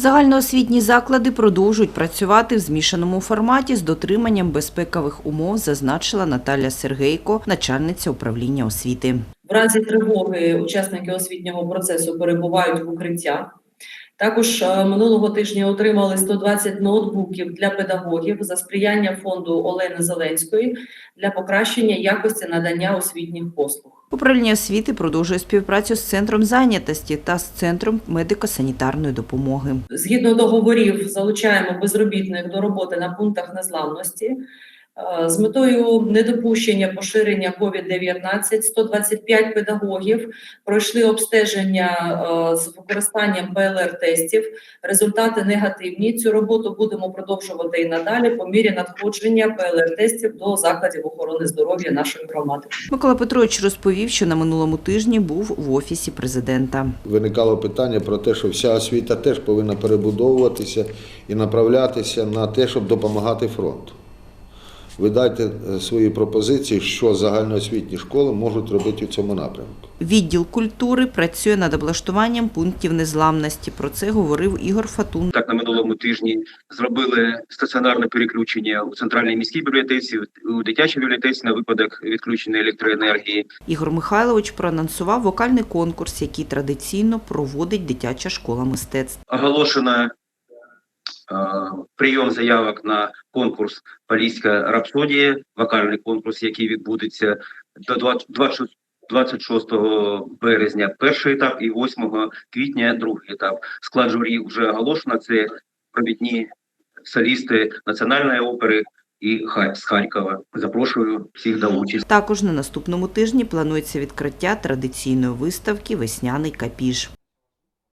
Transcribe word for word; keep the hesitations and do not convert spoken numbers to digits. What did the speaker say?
Загальноосвітні заклади продовжують працювати в змішаному форматі з дотриманням безпекових умов, зазначила Наталя Сергейко, начальниця управління освіти. В разі тривоги учасники освітнього процесу перебувають в укриттях. Також минулого тижня отримали сто двадцять ноутбуків для педагогів за сприяння фонду Олени Зеленської для покращення якості надання освітніх послуг. Управління освіти продовжує співпрацю з Центром зайнятості та з Центром медико-санітарної допомоги. Згідно договорів, залучаємо безробітних до роботи на пунктах незламності. З метою недопущення поширення ковід дев'ятнадцять сто двадцять п'ять педагогів пройшли обстеження з використанням пе ел ер-тестів. Результати негативні. Цю роботу будемо продовжувати і надалі по мірі надходження пе ел ер-тестів до закладів охорони здоров'я нашої громади. Микола Петрович розповів, що на минулому тижні був в Офісі президента. Виникало питання про те, що вся освіта теж повинна перебудовуватися і направлятися на те, щоб допомагати фронту. Ви дайте свої пропозиції, що загальноосвітні школи можуть робити у цьому напрямку. Відділ культури працює над облаштуванням пунктів незламності. Про це говорив Ігор Фатун. Так, на минулому тижні зробили стаціонарне переключення у центральній міській бібліотеці, у дитячій бібліотеці на випадок відключення електроенергії. Ігор Михайлович проанонсував вокальний конкурс, який традиційно проводить дитяча школа мистецтв. Оголошено прийом заявок на конкурс «Поліська рапсодія», вокальний конкурс, який відбудеться до двадцять шостого березня перший етап і восьмого квітня другий етап. Склад журі вже оголошено, це провідні солісти Національної опери і з Харкова. Запрошую всіх до участі. Також на наступному тижні планується відкриття традиційної виставки «Весняний капіж».